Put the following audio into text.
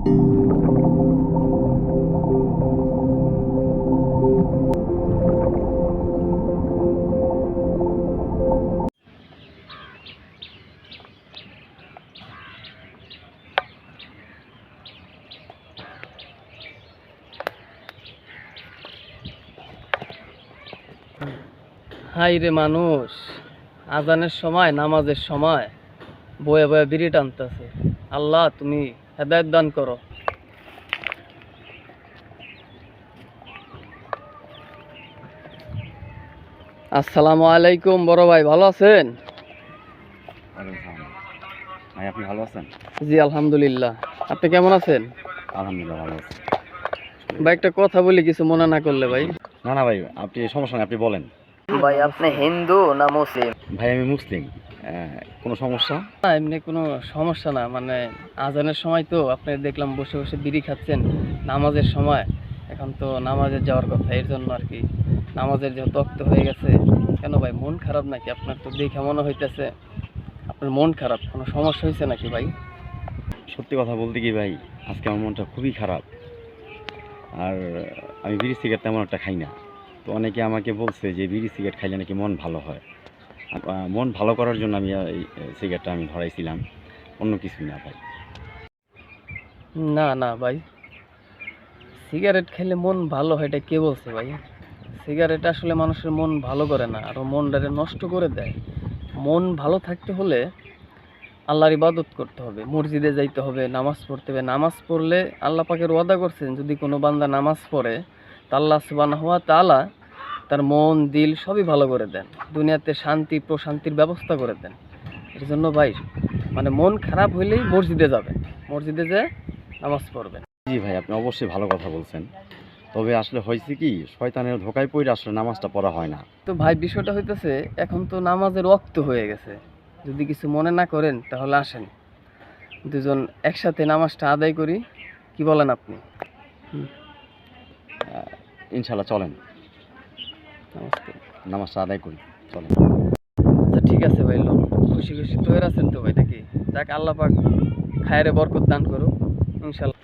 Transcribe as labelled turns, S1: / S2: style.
S1: High রে মানুষ, আজানের সময় নামাজের সময় বয়ে বয়ে বিড়ি টানতেছে। আল্লাহ তুমি হেদায়েত দান করো। আসসালামু আলাইকুম বড় ভাই, ভালো আছেন?
S2: ভাই আপনি ভালো আছেন?
S1: জি আলহামদুলিল্লাহ। আপনি কেমন আছেন?
S2: আলহামদুলিল্লাহ ভালো আছি।
S1: ভাই একটা কথা বলি, কিছু মনে না করলে ভাই।
S2: না না ভাই, আপনি সমস্যা নেই, আপনি বলেন।
S1: ভাই আপনি হিন্দু না মুসলিম?
S2: ভাই আমি মুসলিম। কোনো সমস্যা?
S1: না এমনি কোনো সমস্যা না, মানে আজানের সময় তো আপনি দেখলাম বসে বসে বিড়ি খাচ্ছেন নামাজের সময়। এখন তো নামাজে যাওয়ার কথা, এর জন্য আর কি। নামাজের যেহেতু অক্ত হয়ে গেছে। কেন ভাই, মন খারাপ নাকি? আপনার তো দেখে মনে হইতেছে আপনার মন খারাপ। কোনো সমস্যা হয়েছে নাকি ভাই?
S2: সত্যি কথা বলতে কি ভাই, আজকে আমার মনটা খুবই খারাপ। আর আমি বিড়ি সিগারেট তেমন একটা খাই না। তো অনেকে আমাকে বলছে যে বিড়ি সিগারেট খাইলে নাকি মন ভালো হয়। মন ভালো করার জন্য আমি এই সিগারেটটা আমি ধরাইছিলাম, অন্য কিছুই না ভাই।
S1: না না ভাই, সিগারেট খেলে মন ভালো হয় এটা কে বলছে ভাই? সিগারেট আসলে মানুষের মন ভালো করে না, আরও মনটারে নষ্ট করে দেয়। মন ভালো থাকতে হলে আল্লাহর ইবাদত করতে হবে, মসজিদে যাইতে হবে, নামাজ পড়তে হবে। নামাজ পড়লে আল্লাহ পাকের ওয়াদা করছেন, যদি কোনো বান্দা নামাজ পড়ে তা আল্লাহ সুবহানাহু ওয়া তাআলা তার মন দিল সবই ভালো করে দেন, দুনিয়াতে শান্তি প্রশান্তির ব্যবস্থা করে দেন। এর জন্য ভাই, মানে মন খারাপ হইলেই মসজিদে যাবেন, মসজিদে যেয়ে নামাজ পড়বেন।
S2: জি ভাই, আপনি অবশ্যই ভালো কথা বলছেন। তবে আসলে হয়েছে কি, শয়তানের ধোকায় পড়ে আসলে নামাজটা পড়া হয় না।
S1: তো ভাই বিষয়টা হইতেছে, এখন তো নামাজের ওয়াক্ত হয়ে গেছে। যদি কিছু মনে না করেন তাহলে আসেন, দুজন একসাথে নামাজটা আদায় করি। কি বলেন আপনি?
S2: ইনশাল্লাহ চলেন,
S1: নমস্তে।
S2: নামাজটা আদায় করি, চলেন।
S1: আচ্ছা ঠিক আছে ভাই, লোন খুশি খুশি তৈরি আছেন তো ভাই নাকি? যাক, আল্লাহ পাক খায়রে বরকত দান করুক ইনশাল্লাহ।